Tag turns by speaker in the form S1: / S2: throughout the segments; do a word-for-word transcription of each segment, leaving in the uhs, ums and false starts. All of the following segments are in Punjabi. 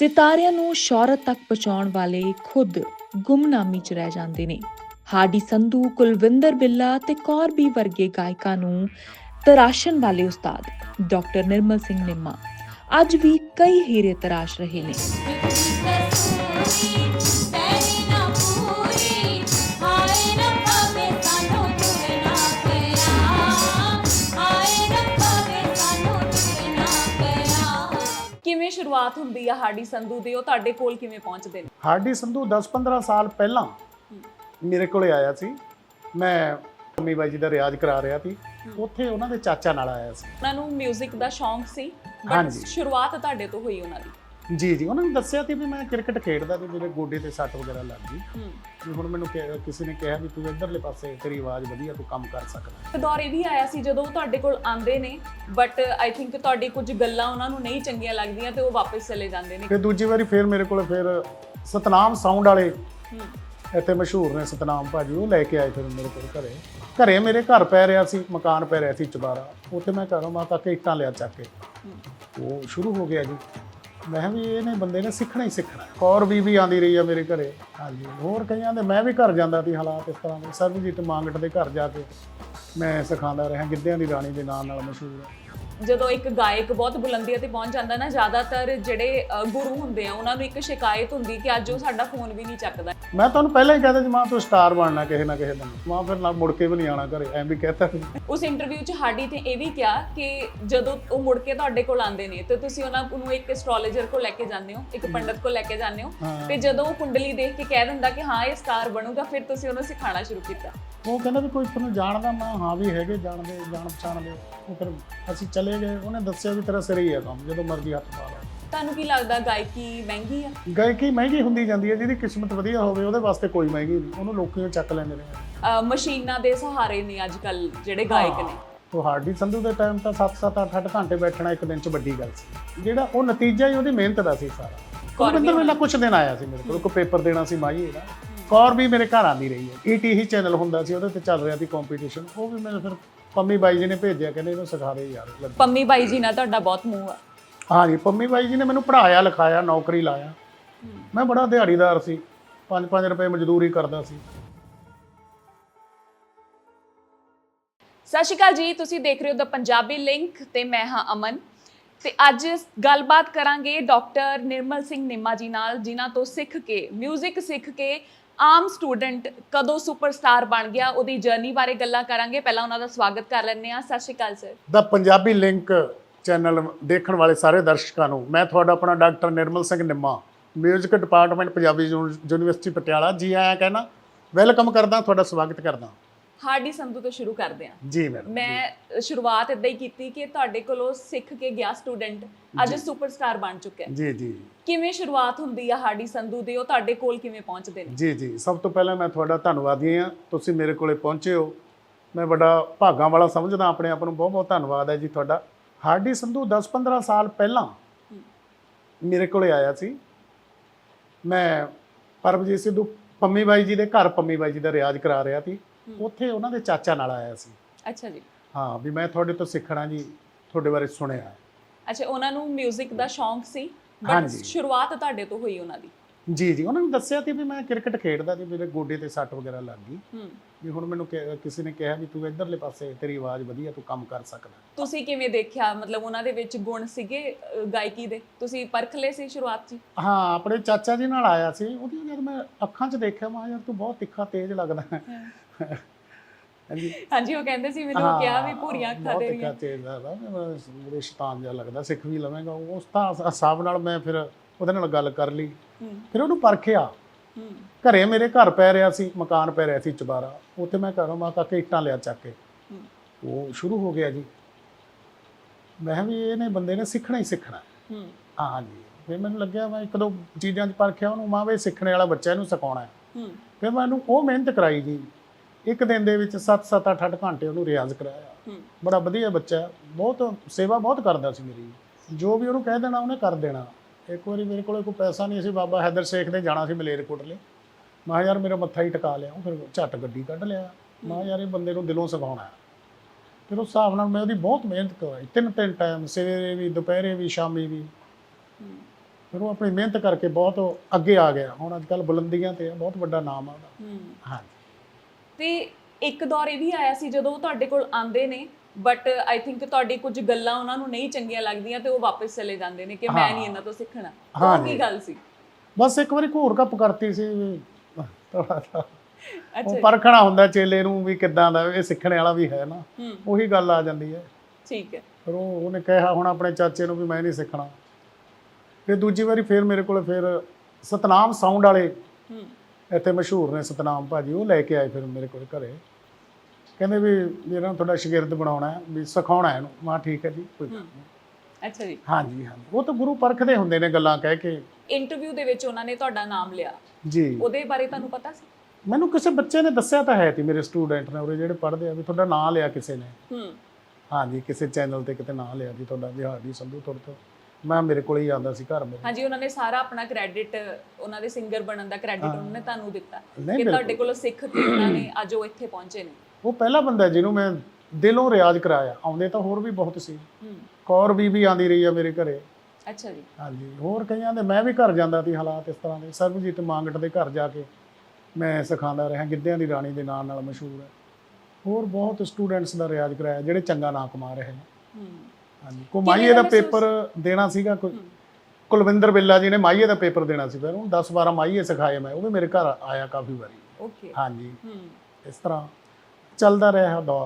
S1: ਸਿਤਾਰਿਆਂ ਨੂੰ ਸ਼ੌਹਰਤ ਤੱਕ ਪਹੁੰਚਾਉਣ ਵਾਲੇ ਖੁਦ ਗੁੰਮਨਾਮੀ 'ਚ ਰਹਿ ਜਾਂਦੇ ਨੇ। ਹਾਡੀ ਸੰਧੂ, ਕੁਲਵਿੰਦਰ ਬਿੱਲਾ ਤੇ ਕੌਰ ਬੀ ਵਰਗੇ ਗਾਇਕਾਂ ਨੂੰ ਤਰਾਸ਼ਣ ਵਾਲੇ ਉਸਤਾਦ ਡਾਕਟਰ ਨਿਰਮਲ ਸਿੰਘ ਨਿੰਮਾ ਅੱਜ ਵੀ ਕਈ ਹੀਰੇ ਤਰਾਸ਼ ਰਹੇ ਨੇ।
S2: ਕਿਵੇਂ ਸ਼ੁਰੂਆਤ ਹੁੰਦੀ ਆ ਹਾਡੀ ਸੰਧੂ ਦੀ, ਉਹ ਤੁਹਾਡੇ ਕੋਲ ਕਿਵੇਂ ਪਹੁੰਚਦੇ ਨੇ?
S3: ਹਾਡੀ ਸੰਧੂ ਦਸ ਪੰਦਰਾਂ ਸਾਲ ਪਹਿਲਾਂ ਮੇਰੇ ਕੋਲੇ ਆਇਆ ਸੀ। ਮੈਂ ਮੰਮੀ ਬਾਈ ਜੀ ਦਾ ਰਿਆਜ਼ ਕਰਾ ਰਿਹਾ ਸੀ, ਉੱਥੇ ਉਹਨਾਂ ਦੇ ਚਾਚਾ ਨਾਲ ਆਇਆ ਸੀ।
S2: ਉਹਨਾਂ ਨੂੰ 뮤직 ਦਾ ਸ਼ੌਂਕ ਸੀ, ਬਟ
S3: ਹਾਂਜੀ।
S2: ਸ਼ੁਰੂਆਤ ਤੁਹਾਡੇ ਤੋਂ ਹੋਈ ਉਹਨਾਂ ਦੀ।
S3: ਜੀ ਜੀ ਉਹਨਾਂ ਨੇ ਦੱਸਿਆ ਸੀ ਵੀ ਮੈਂ ਕ੍ਰਿਕਟ ਖੇਡਦਾ ਤੇ ਮੇਰੇ ਗੋਡੇ ਤੇ ਸੱਟ ਵਗੈਰਾ ਲੱਗ ਗਈ, ਵੀ ਹੁਣ ਮੈਨੂੰ ਕਿ- ਕਿਸੇ ਨੇ ਕਿਹਾ ਵੀ ਤੂੰ ਇੱਧਰਲੇ ਪਾਸੇ ਤੇਰੀ ਆਵਾਜ਼ ਵਧੀਆ, ਤੂੰ ਕੰਮ ਕਰ ਸਕਦਾ।
S2: ਤੇ ਦੌਰ ਇਹ ਵੀ ਆਇਆ ਸੀ ਜਦੋਂ ਉਹ ਤੁਹਾਡੇ ਕੋਲ ਆਉਂਦੇ ਨੇ, ਬਟ ਆਈ ਥਿੰਕ ਤੁਹਾਡੀ ਕੁਝ ਗੱਲਾਂ ਉਹਨਾਂ ਨੂੰ ਨਹੀਂ ਚੰਗੀਆਂ ਲੱਗਦੀਆਂ ਤੇ ਉਹ ਵਾਪਸ ਚਲੇ ਜਾਂਦੇ ਨੇ।
S3: ਫਿਰ ਦੂਜੀ ਵਾਰੀ ਫਿਰ ਮੇਰੇ ਕੋਲ ਫਿਰ ਸਤਨਾਮ ਸਾਊਂਡ ਵਾਲੇ ਇੱਥੇ ਮਸ਼ਹੂਰ ਨੇ, ਸਤਨਾਮ ਭਾਜੀ, ਉਹ ਲੈ ਕੇ ਆਏ ਫਿਰ ਮੇਰੇ ਕੋਲ ਘਰੇ। ਘਰੇ ਮੇਰੇ ਘਰ ਪੈ ਰਿਹਾ ਸੀ, ਮਕਾਨ ਪੈ ਰਿਹਾ ਸੀ ਚੁਬਾਰਾ, ਉੱਥੇ ਮੈਂ ਘਰੋਂ ਮਾ ਤੱਕ ਇੱਟਾਂ ਲਿਆ ਚੱਕ ਕੇ। ਉਹ ਸ਼ੁਰੂ ਹੋ ਗਿਆ ਜੀ। ਮੈਂ ਕਿਹਾ ਵੀ ਇਹਨੇ ਬੰਦੇ ਨੇ ਸਿੱਖਣਾ ਹੀ ਸਿੱਖਣਾ। ਕੌਰ ਵੀ ਵੀ ਆਉਂਦੀ ਰਹੀ ਆ ਮੇਰੇ ਘਰੇ। ਹਾਂਜੀ, ਹੋਰ ਕਈਆਂ ਦੇ ਮੈਂ ਵੀ ਘਰ ਜਾਂਦਾ ਸੀ ਹਾਲਾਤ ਇਸ ਤਰ੍ਹਾਂ ਦੇ। ਸਰਬਜੀਤ ਮੰਗਟ ਦੇ ਘਰ ਜਾ ਕੇ ਮੈਂ ਸਿਖਾਉਂਦਾ ਰਿਹਾ, ਗਿੱਧਿਆਂ ਦੀ ਰਾਣੀ ਦੇ ਨਾਂ ਨਾਲ ਮਸ਼ਹੂਰ ਹੈ।
S2: ਜਦੋਂ ਇੱਕ ਗਾਇਕ ਬਹੁਤ ਬੁਲੰਦੀਆਂ ਤੇ ਪਹੁੰਚ ਜਾਂਦਾ ਨਾ, ਜ਼ਿਆਦਾਤਰ ਜਿਹੜੇ ਅ, ਗੁਰੂ ਹੁੰਦੇ ਆ ਉਹਨਾਂ ਨੂੰ ਇੱਕ ਸ਼ਿਕਾਇਤ ਹੁੰਦੀ ਕਿ ਅੱਜ ਉਹ ਸਾਡਾ ਫੋਨ ਵੀ ਨਹੀਂ ਚੱਕਦਾ।
S3: ਮੈਂ ਤੁਹਾਨੂੰ ਪਹਿਲਾਂ ਹੀ ਕਹਿੰਦਾ ਜੀ, ਮਾਂ ਤੂੰ ਸਟਾਰ ਬਣਨਾ ਕਿਸੇ ਨਾ ਕਿਸੇ ਦਿਨ, ਮਾਂ ਫਿਰ ਨਾਲ ਮੁੜ ਕੇ ਵੀ ਨਹੀਂ ਆਉਣਾ ਘਰੇ, ਐਂ ਵੀ ਕਹਿਤਾ।
S2: ਉਸ ਇੰਟਰਵਿਊ 'ਚ ਹਾਡੀ ਤੇ ਇਹ ਵੀ ਕਿਹਾ ਕਿ ਜਦੋਂ ਉਹ ਮੁੜ ਕੇ ਤੁਹਾਡੇ ਕੋਲ ਆਉਂਦੇ ਨੇ ਤੇ ਤੁਸੀਂ ਉਹਨਾਂ ਨੂੰ ਇੱਕ ਐਸਟ੍ਰੋਲੋਜਰ ਕੋਲ ਲੈ ਕੇ ਜਾਂਦੇ ਹੋ, ਇੱਕ ਪੰਡਤ ਕੋਲ ਲੈ ਕੇ ਜਾਂਦੇ ਹੋ, ਤੇ ਜਦੋਂ ਉਹ ਕੁੰਡਲੀ ਦੇਖ ਕੇ ਕਹਿ ਦਿੰਦਾ ਕਿ ਹਾਂ ਇਹ ਸਟਾਰ ਬਣੂਗਾ, ਫਿਰ ਤੁਸੀਂ ਉਹਨੂੰ ਸਿਖਾਉਣਾ ਸ਼ੁਰੂ ਕੀਤਾ।
S3: ਉਹ ਕਹਿੰਦਾ ਵੀ ਕੋਈ ਤੁਹਾਨੂੰ ਜਾਣਦਾ? ਮੈਂ ਹਾਂ ਵੀ ਹੈਗੇ ਜਾਣਦੇ, ਜਾਣ ਪਛਾਣਦੇ। ਉਹ ਫਿਰ ਅਸੀਂ ਚਲੇ ਗਏ, ਉਹਨੇ ਦੱਸਿਆ ਵੀ ਤੇਰਾ ਸਿਰ ਹੀ ਹੈ ਕੰਮ, ਜਦੋਂ ਮਰਜ਼ੀ ਹੱਥ ਪਾ ਲਾ।
S2: ਤੁਹਾਨੂੰ ਕੀ ਲੱਗਦਾ ਗਾਇਕੀ ਮਹਿੰਗੀ ਆ?
S3: ਗਾਇਕੀ ਮਹਿੰਗੀ ਹੁੰਦੀ ਜਾਂਦੀ ਹੈ, ਜਿਹਦੀ ਕਿਸਮਤ ਵਧੀਆ ਹੋਵੇ ਉਹਦੇ ਵਾਸਤੇ ਕੋਈ ਮਹਿੰਗੀ ਨਹੀਂ, ਉਹਨੂੰ ਲੋਕੀ ਚੱਕ ਲੈਂਦੇ ਨੇ।
S2: ਅ, ਮਸ਼ੀਨਾਂ ਦੇ ਸਹਾਰੇ ਨੇ ਅੱਜ ਕੱਲ ਜਿਹੜੇ ਗਾਇਕ ਨੇ।
S3: ਤੁਹਾਡੀ ਸੰਧੂ ਦੇ ਟਾਈਮ ਤਾਂ ਸੱਤ ਸੱਤ ਅੱਠ ਅੱਠ ਘੰਟੇ ਬੈਠਣਾ ਇੱਕ ਦਿਨ 'ਚ ਵੱਡੀ ਗੱਲ ਸੀ। ਜਿਹੜਾ ਉਹ ਨਤੀਜਾ ਹੀ ਉਹਦੀ ਮਿਹਨਤ ਦਾ ਸੀ ਸਾਰਾ। ਕੁਲਵਿੰਦਰ ਵੇਲਾ ਕੁਛ ਦਿਨ ਆਇਆ ਸੀ ਮੇਰੇ ਕੋਲ, ਕੋਈ ਪੇਪਰ ਦੇਣਾ ਸੀ ਮਾਹੀਏ ਦਾ। ਕੌਰ ਵੀ ਮੇਰੇ ਘਰ ਆਉਂਦੀ ਰਹੀ ਹੈ। ਈ ਟੀ ਹੀ ਚੈਨਲ ਹੁੰਦਾ ਸੀ, ਉਹਦੇ ਤੇ ਚੱਲ ਰਿਹਾ ਸੀ ਕੰਪੀਟੀਸ਼ਨ। ਉਹ ਵੀ ਮੈਨੂੰ ਫਿਰ ਪੰਮੀ ਬਾਈ ਜੀ ਨੇ ਭੇਜਿਆ, ਕਹਿੰਦੇ ਇਹਨੂੰ ਸਿਖਾ ਦੇ ਯਾਰ।
S2: ਪੰਮੀ ਬਾਈ ਜੀ ਨਾਲ ਤੁਹਾਡਾ ਬਹੁਤ ਮੂੰਹ ਆ।
S3: ਹਾਂਜੀ, ਪੰਮੀ ਬਾਈ ਜੀ ਨੇ ਮੈਨੂੰ ਪੜ੍ਹਾਇਆ, ਲਿਖਾਇਆ, ਨੌਕਰੀ ਲਾਇਆ। ਮੈਂ ਬੜਾ ਦਿਹਾੜੀਦਾਰ ਸੀ, ਪੰਜ ਪੰਜ ਰੁਪਏ ਮਜ਼ਦੂਰੀ ਕਰਦਾ ਸੀ।
S2: ਸਤਿ ਸ਼੍ਰੀ ਅਕਾਲ ਜੀ, ਤੁਸੀਂ ਦੇਖ ਰਹੇ ਹੋ ਦ ਪੰਜਾਬੀ ਲਿੰਕ ਤੇ ਮੈਂ ਹਾਂ ਅਮਨ। ਤੇ ਅੱਜ ਗੱਲਬਾਤ ਕਰਾਂਗੇ ਡਾਕਟਰ ਨਿਰਮਲ ਸਿੰਘ ਨਿੰਮਾ ਜੀ ਨਾਲ, ਜਿਨ੍ਹਾਂ ਤੋਂ ਸਿੱਖ ਕੇ, ਮਿਊਜ਼ਿਕ ਸਿੱਖ ਕੇ ਆਮ ਸਟੂਡੈਂਟ ਕਦੋਂ ਸੁਪਰਸਟਾਰ ਬਣ ਗਿਆ, ਉਹਦੀ ਜਰਨੀ ਬਾਰੇ ਗੱਲਾਂ ਕਰਾਂਗੇ। ਪਹਿਲਾਂ ਉਹਨਾਂ ਦਾ ਸਵਾਗਤ ਕਰ ਲੈਂਦੇ ਹਾਂ। ਸਤਿ ਸ਼੍ਰੀ ਅਕਾਲ ਸਰ।
S3: ਦਾ ਪੰਜਾਬੀ ਲਿੰਕ ਚੈਨਲ ਦੇਖਣ ਵਾਲੇ ਸਾਰੇ ਦਰਸ਼ਕਾਂ ਨੂੰ ਮੈਂ ਤੁਹਾਡਾ ਆਪਣਾ doctor Nirmal Singh Nimma, music department, Punjabi university Patiala, ਜੀ ਆਇਆਂ ਕਹਿਣਾ, ਵੈਲਕਮ ਕਰਦਾ, ਤੁਹਾਡਾ ਸਵਾਗਤ ਕਰਦਾ।
S2: ਹਾਡੀ ਸੰਧੂ ਤੋਂ ਸ਼ੁਰੂ ਕਰਦੇ ਹਾਂ।
S3: ਜੀ ਮੈਡਮ।
S2: ਮੈਂ ਸ਼ੁਰੂਆਤ ਇਦਾਂ ਹੀ ਕੀਤੀ ਕਿ ਤੁਹਾਡੇ ਕੋਲੋਂ ਸਿੱਖ ਕੇ ਗਿਆ ਸਟੂਡੈਂਟ ਅੱਜ ਸੁਪਰਸਟਾਰ ਬਣ ਚੁੱਕਿਆ।
S3: ਜੀ ਜੀ।
S2: ਕਿਵੇਂ ਸ਼ੁਰੂਆਤ ਹੁੰਦੀ ਆ ਹਾਡੀ ਸੰਧੂ ਦੀ, ਉਹ ਤੁਹਾਡੇ ਕੋਲ ਕਿਵੇਂ ਪਹੁੰਚਦੇ ਨੇ?
S3: ਜੀ ਜੀ, ਸਭ ਤੋਂ ਪਹਿਲਾਂ ਮੈਂ ਤੁਹਾਡਾ ਧੰਨਵਾਦੀ ਹਾਂ, ਤੁਸੀਂ ਮੇਰੇ ਕੋਲੇ ਪਹੁੰਚੇ ਹੋ। ਮੈਂ ਬੜਾ ਭਾਗਾਂ ਵਾਲਾ ਸਮਝਦਾ ਆਪਣੇ ਆਪ ਨੂੰ। ਬਹੁਤ ਬਹੁਤ ਧੰਨਵਾਦ ਹੈ ਜੀ ਤੁਹਾਡਾ। ਹਾਡੀ ਸੰਧੂ ਦਸ ਪੰਦਰਾਂ ਸਾਲ ਪਹਿਲਾਂ ਮੇਰੇ ਕੋਲੇ ਆਇਆ ਸੀ। ਮੈਂ ਪਰਮਜੀਤ ਸਿੱਧੂ ਪੰਮੀ ਬਾਈ ਜੀ ਦੇ ਘਰ, ਪੰਮੀ ਬਾਈ ਜੀ ਦਾ ਰਿਆਜ਼ ਕਰਾ ਰਿਹਾ ਸੀ, ਉੱਥੇ ਉਹਨਾਂ ਦੇ ਚਾਚਾ ਨਾਲ ਆਇਆ ਸੀ।
S2: ਅੱਛਾ ਜੀ।
S3: ਹਾਂ, ਵੀ ਮੈਂ ਤੁਹਾਡੇ ਤੋਂ ਸਿੱਖਣਾ ਜੀ, ਤੁਹਾਡੇ ਬਾਰੇ ਸੁਣਿਆ।
S2: ਅੱਛਾ, ਉਹਨਾਂ ਨੂੰ 뮤직 ਦਾ ਸ਼ੌਂਕ ਸੀ, ਬਟ
S3: ਹਾਂਜੀ।
S2: ਸ਼ੁਰੂਆਤ ਤੁਹਾਡੇ ਤੋਂ ਹੋਈ ਉਹਨਾਂ ਦੀ।
S3: ਜੀ ਜੀ, ਉਹਨਾਂ ਨੇ ਦੱਸਿਆ ਸੀ ਵੀ ਮੈਂ ਕ੍ਰਿਕਟ ਖੇਡਦਾ ਤੇ ਮੇਰੇ ਗੋਡੇ ਤੇ ਸੱਟ ਵਗੈਰਾ ਲੱਗ ਗਈ,
S2: ਹੂੰ,
S3: ਵੀ ਹੁਣ ਮੈਨੂੰ ਕਿ- ਕਿਸੇ ਨੇ ਕਿਹਾ ਵੀ ਤੂੰ ਇੱਧਰਲੇ ਪਾਸੇ ਤੇਰੀ ਆਵਾਜ਼ ਵਧੀਆ, ਤੂੰ ਕੰਮ ਕਰ ਸਕਦਾ।
S2: ਤੁਸੀਂ ਕਿਵੇਂ ਦੇਖਿਆ, ਮਤਲਬ ਉਹਨਾਂ ਦੇ ਵਿੱਚ ਗੁਣ ਸੀਗੇ ਅ, ਗਾਇਕੀ ਦੇ? ਤੁਸੀਂ ਪਰਖ ਲਏ ਸੀ ਸ਼ੁਰੂਆਤ 'ਚ?
S3: ਹਾਂ, ਆਪਣੇ ਚਾਚਾ ਜੀ ਨਾਲ ਆਇਆ ਸੀ। ਉਹਦੀਆਂ ਜਦ ਮੈਂ ਅੱਖਾਂ 'ਚ ਦੇਖਿਆ, ਮੈਂ ਯਾਰ ਤੂੰ ਬਹੁਤ ਤਿੱਖਾ ਤੇਜ਼ ਲੱਗਦਾ ਹੈ। ਹਾਂਜੀ
S2: ਹਾਂਜੀ, ਉਹ ਕਹਿੰਦੇ ਸੀ, ਮੈਨੂੰ ਕਿਹਾ ਵੀ ਭੂਰੀਆਂ ਅੱਖਾਂ
S3: ਤੇਰੀਆਂ,
S2: ਤੇਰੀਆਂ।
S3: ਬਹੁਤ ਤੇਜ਼ ਲੱਗਦਾ, ਮੇਰੇ ਸ਼ੈਤਾਨ ਜਿਹਾ ਲੱਗਦਾ, ਸਿੱਖ ਵੀ ਲਵੇਂਗਾ। ਉਸ ਤਾਂ ਹਿਸਾਬ ਨਾਲ ਮੈਂ ਫਿਰ ਉਹਦੇ ਨਾਲ ਗੱਲ ਕਰ ਲਈ, ਫਿਰ ਉਹਨੂੰ ਪਰਖਿਆ। ਘਰੇ ਮੇਰੇ ਘਰ ਪੈ ਰਿਹਾ ਸੀ, ਮਕਾਨ ਪੈ ਰਿਹਾ ਸੀ ਚੁਬਾਰਾ, ਉੱਥੇ ਮੈਂ ਘਰੋਂ ਮਾ ਤੱਕ ਇੱਟਾਂ ਲਿਆ ਚੱਕ ਕੇ। ਉਹ ਸ਼ੁਰੂ ਹੋ ਗਿਆ ਜੀ। ਮੈਂ ਕਿਹਾ ਵੀ ਇਹਨੇ ਬੰਦੇ ਨੇ ਸਿੱਖਣਾ ਹੀ ਸਿੱਖਣਾ। ਹਾਂਜੀ, ਫਿਰ ਮੈਨੂੰ ਲੱਗਿਆ, ਮੈਂ ਇੱਕ ਦੋ ਚੀਜ਼ਾਂ 'ਚ ਪਰਖਿਆ ਉਹਨੂੰ, ਮਾਂ ਵੀ ਸਿੱਖਣੇ ਵਾਲਾ ਬੱਚਾ, ਇਹਨੂੰ ਸਿਖਾਉਣਾ। ਫਿਰ ਮੈਂ ਉਹਨੂੰ ਉਹ ਮਿਹਨਤ ਕਰਾਈ ਜੀ। ਇੱਕ ਦਿਨ ਦੇ ਵਿੱਚ ਸੱਤ ਸੱਤ ਅੱਠ ਅੱਠ ਘੰਟੇ ਉਹਨੂੰ ਰਿਆਜ਼ ਕਰਾਇਆ। ਬੜਾ ਵਧੀਆ ਬੱਚਾ, ਬਹੁਤ ਸੇਵਾ ਬਹੁਤ ਕਰਦਾ ਸੀ ਮੇਰੀ। ਜੋ ਵੀ ਉਹਨੂੰ ਕਹਿ ਦੇਣਾ ਉਹਨੇ ਕਰ ਦੇਣਾ। ਇੱਕ ਵਾਰੀ ਮੇਰੇ ਕੋਲ ਕੋਈ ਪੈਸਾ ਨਹੀਂ ਸੀ, ਬਾਬਾ ਹੈਦਰ ਸ਼ੇਖ ਦੇ ਜਾਣਾ ਸੀ ਮਲੇਰਕੋਟਲੇ। ਮੈਂ ਯਾਰ ਮੇਰਾ ਮੱਥਾ ਹੀ ਟਿਕਾ ਲਿਆ। ਫਿਰ ਝੱਟ ਗੱਡੀ ਕੱਢ ਲਿਆ। ਮੈਂ ਯਾਰ ਇਹ ਬੰਦੇ ਨੂੰ ਦਿਲੋਂ ਸਿਖਾਉਣਾ। ਫਿਰ ਉਸ ਹਿਸਾਬ ਨਾਲ ਮੈਂ ਉਹਦੀ ਬਹੁਤ ਮਿਹਨਤ ਕਰਵਾਈ, ਤਿੰਨ ਤਿੰਨ ਟਾਈਮ, ਸਵੇਰੇ ਵੀ, ਦੁਪਹਿਰੇ ਵੀ, ਸ਼ਾਮੀ ਵੀ। ਫਿਰ ਉਹ ਆਪਣੀ ਮਿਹਨਤ ਕਰਕੇ ਬਹੁਤ ਅੱਗੇ ਆ ਗਿਆ। ਹੁਣ ਅੱਜ ਕੱਲ੍ਹ ਬੁਲੰਦੀਆਂ ਤੇ ਆ, ਬਹੁਤ ਵੱਡਾ ਨਾਮ ਆ ਉਹਦਾ।
S2: ਹੂੰ
S3: ਹਾਂਜੀ।
S2: ਤੇ ਇੱਕ ਦੌਰ ਇਹ ਵੀ ਆਇਆ ਸੀ ਜਦੋਂ ਉਹ ਤੁਹਾਡੇ ਕੋਲ ਆਉਂਦੇ ਨੇ ਬਟ ਆਈ ਥਿੰਕ ਤੁਹਾਡੀ ਕੁਝ ਗੱਲਾਂ ਉਹਨਾਂ ਨੂੰ ਨਹੀਂ ਚੰਗੀਆਂ ਲੱਗਦੀਆਂ ਤੇ ਉਹ ਵਾਪਸ ਚਲੇ ਜਾਂਦੇ ਨੇ ਕਿ ਮੈਂ ਨਹੀਂ ਇਹਨਾਂ ਤੋਂ ਸਿੱਖਣਾ।
S3: ਹਾਂ
S2: ਉਹ ਕੀ ਗੱਲ ਸੀ?
S3: ਬਸ ਇੱਕ ਵਾਰੀ ਘੂਰ ਕੱਪ ਕਰਤੀ ਸੀ ਵੀ ਥੋੜਾ ਜਿਹਾ
S2: ਅੱਛਾ
S3: ਉਹ
S2: ਜੀ।
S3: ਪਰਖਣਾ ਹੁੰਦਾ ਚੇਲੇ ਨੂੰ ਵੀ ਕਿੱਦਾਂ ਦਾ ਇਹ ਸਿੱਖਣ ਵਾਲਾ ਵੀ ਹੈ ਨਾ,
S2: ਹੂੰ
S3: ਉਹੀ ਗੱਲ ਆ ਜਾਂਦੀ ਹੈ।
S2: ਠੀਕ ਹੈ।
S3: ਫਿਰ ਉਹ ਉਹਨੇ ਕਿਹਾ ਹੁਣ ਆਪਣੇ ਚਾਚੇ ਨੂੰ ਵੀ ਮੈਂ ਨਹੀਂ ਸਿੱਖਣਾ। ਫਿਰ ਦੂਜੀ ਵਾਰੀ ਫਿਰ ਮੇਰੇ ਕੋਲ ਫਿਰ ਸਤਨਾਮ ਸਾਊਂਡ ਵਾਲੇ
S2: ਹੂੰ
S3: ਇੱਥੇ ਮਸ਼ਹੂਰ ਨੇ ਸਤਨਾਮ ਭਾਜੀ, ਉਹ ਲੈ ਕੇ ਆਏ ਫਿਰ ਮੇਰੇ ਕੋਲ ਘਰੇ। ਕਹਿੰਦੇ ਵੀ ਇਹਨਾਂ ਨੂੰ ਤੁਹਾਡਾ ਸ਼ਾਗਿਰਦ ਬਣਾਉਣਾ ਹੈ, ਵੀ ਸਿਖਾਉਣਾ ਇਹਨੂੰ। ਮੈਂ ਠੀਕ ਹੈ ਜੀ, ਕੋਈ ਗੱਲ ਨਹੀਂ।
S2: ਅੱਛਾ ਜੀ।
S3: ਹਾਂਜੀ ਹਾਂਜੀ, ਉਹ ਤਾਂ ਗੁਰੂ ਪਰਖਦੇ ਹੁੰਦੇ ਨੇ ਗੱਲਾਂ ਕਹਿ ਕੇ।
S2: ਇੰਟਰਵਿਊ ਦੇ ਵਿੱਚ ਉਹਨਾਂ ਨੇ ਤੁਹਾਡਾ ਨਾਮ ਲਿਆ,
S3: ਜੀ
S2: ਉਹਦੇ ਬਾਰੇ ਤੁਹਾਨੂੰ ਪਤਾ ਸੀ?
S3: ਮੈਨੂੰ ਕਿਸੇ ਬੱਚੇ ਨੇ ਦੱਸਿਆ ਤਾਂ ਹੈ ਤੀ, ਮੇਰੇ ਸਟੂਡੈਂਟ ਨੇ ਉਰੇ ਜਿਹੜੇ ਪੜ੍ਹਦੇ ਆ, ਵੀ ਤੁਹਾਡਾ ਨਾਂ ਲਿਆ ਕਿਸੇ ਨੇ।
S2: ਹੂੰ
S3: ਹਾਂਜੀ, ਕਿਸੇ ਚੈਨਲ ਤੇ ਕਿਤੇ ਨਾਂ ਲਿਆ ਜੀ ਤੁਹਾਡਾ, ਵੀ ਹਾਰਡੀ ਸੰਧੂ ਤੁਹਾਡੇ ਤੋਂ। ਮੈਂ ਮੇਰੇ ਕੋਲ ਹੀ ਆਉਂਦਾ ਸੀ ਘਰ ਮੇਰੇ।
S2: ਹਾਂਜੀ, ਉਹਨਾਂ ਨੇ ਸਾਰਾ ਆਪਣਾ ਕ੍ਰੈਡਿਟ, ਉਹਨਾਂ ਦੇ ਸਿੰਗਰ ਬਣਨ ਦਾ ਕ੍ਰੈਡਿਟ ਉਹਨਾਂ ਨੇ ਤੁਹਾਨੂੰ ਦਿੱਤਾ
S3: ਨਹੀਂ,
S2: ਕਿ ਤੁਹਾਡੇ ਕੋਲੋਂ ਸਿੱਖ ਕੇ ਉਹਨਾਂ ਨੇ ਅੱਜ ਉਹ ਇੱਥੇ ਪਹੁੰਚੇ ਨੇ।
S3: ਉਹ ਪਹਿਲਾ ਬੰਦਾ ਜਿਹਨੂੰ ਮੈਂ ਦਿਲੋਂ ਰਿਆਜ਼ ਕਰਾਇਆ। ਆਉਂਦੇ ਤਾਂ ਹੋਰ ਵੀ ਬਹੁਤ ਸੀ,
S2: ਹੂੰ
S3: ਕੌਰ ਬੀਬੀ ਆਉਂਦੀ ਰਹੀ ਆ ਮੇਰੇ ਘਰੇ।
S2: ਅੱਛਾ ਜੀ।
S3: ਹਾਂਜੀ, ਹੋਰ ਕਈਆਂ ਦੇ ਮੈਂ ਵੀ ਘਰ ਜਾਂਦਾ ਸੀ, ਹਾਲਾਤ ਇਸ ਤਰ੍ਹਾਂ ਦੇ। ਸਰਬਜੀਤ ਮਾਂਗਟ ਦੇ ਘਰ ਜਾ ਕੇ ਮੈਂ ਸਿਖਾਉਂਦਾ ਰਿਹਾ, ਗਿੱਧਿਆਂ ਦੀ ਰਾਣੀ ਦੇ ਨਾਂ ਨਾਲ ਮਸ਼ਹੂਰ ਹੈ। ਹੋਰ ਬਹੁਤ ਸਟੂਡੈਂਟਸ ਦਾ ਰਿਆਜ਼ ਕਰਾਇਆ ਜਿਹੜੇ ਚੰਗਾ ਨਾਂ ਕਮਾ ਰਹੇ ਨੇ।
S2: ਹੂੰ
S3: ਹਾਂਜੀ, ਕੋਈ ਮਾਈਏ ਦਾ ਪੇਪਰ ਦੇਣਾ ਸੀਗਾ, ਕੋਈ ਕੁਲਵਿੰਦਰ ਬਿੱਲਾ ਜੀ ਨੇ ਮਾਈਏ ਦਾ ਪੇਪਰ ਦੇਣਾ ਸੀ, ਫਿਰ ਉਹਨੂੰ ਦਸ ਬਾਰਾਂ ਮਾਈਏ ਸਿਖਾਏ ਮੈਂ। ਉਹ ਵੀ ਮੇਰੇ ਘਰ ਆਇਆ ਕਾਫੀ ਵਾਰੀ।
S2: ਓਕੇ।
S3: ਹਾਂਜੀ,
S2: ਹੂੰ
S3: ਇਸ ਤਰ੍ਹਾਂ ਚੱਲਦਾ ਰਿਹਾ ਦੌਰ।